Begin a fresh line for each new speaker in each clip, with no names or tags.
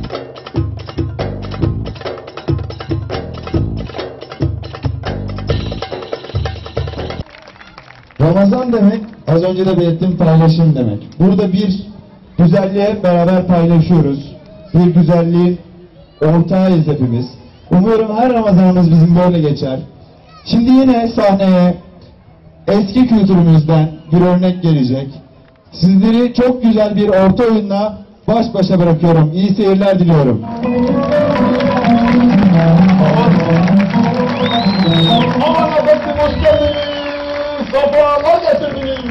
Ramazan demek, az önce de belirttiğim paylaşım demek. Burada bir güzelliğe beraber paylaşıyoruz. Bir güzelliğin ortağıyız hepimiz. Umuyorum her Ramazanımız bizim böyle geçer. Şimdi yine sahneye eski kültürümüzden bir örnek gelecek. Sizleri çok güzel bir orta oyunla baş başa bırakıyorum. İyi seyirler diliyorum.
Aman efendim, hoş geldiniz. Safalar getirdiniz.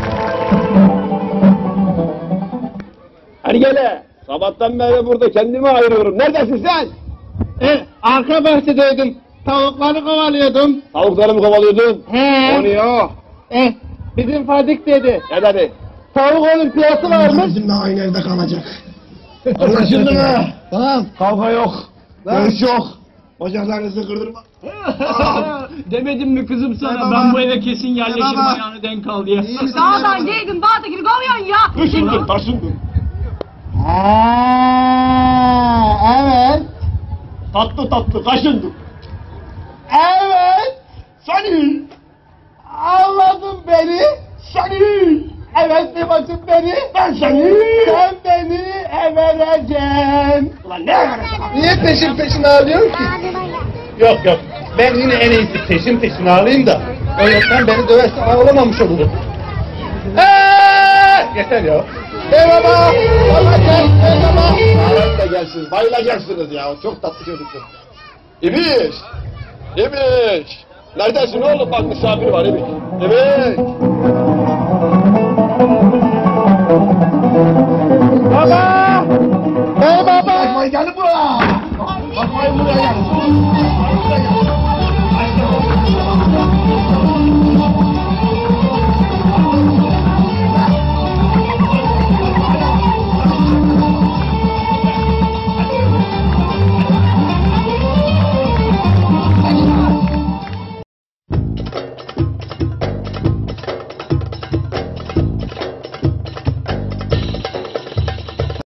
Ergele, sabahtan beri burada kendimi ayırıyorum. Neredesin sen?
Arka bahçedeydim. Tavukları kovalıyordum.
Tavukları mı kovalıyordun?
He.
O niye o?
Bizim Fadik dedi.
Ne dedi?
Tavuk olimpiyatı varmış.
Bizimle aynı evde kalacak.
Anlaşıldı mı?
Tamam.
Kavga yok. Dövüş yok.
Bacaklarınızı kırdırma.
Demedim mi kızım sana,
Baba.
ben bu eve kesin yerleşirim,
Baba.
ayağını denk al diye.
Dağdan geldin, dağda gibi kovuyorsun ya.
Taşındım, taşındım.
Evet.
Tatlı tatlı kaşındım.
Evet.
Seni,
Anladın beni.
seni,
Evet bir bakın beni.
ben seni.
Sen beni evereceksin.
Ulan ne yapacaksın?
Niye peşin ağlıyorsun ki?
Yok yok. Ben yine en iyisi peşin ağlayayım da öğretmen beni döverse ağlamamış olurum. Yeter ya.
Merhaba. Merhaba.
Ahmet de gelsin, bayılacaksınız ya. Çok tatlı çocuksun. İbiş! İbiş! Neredesin oğlum? Bak misafir var İbiş. İbiş!
Baba.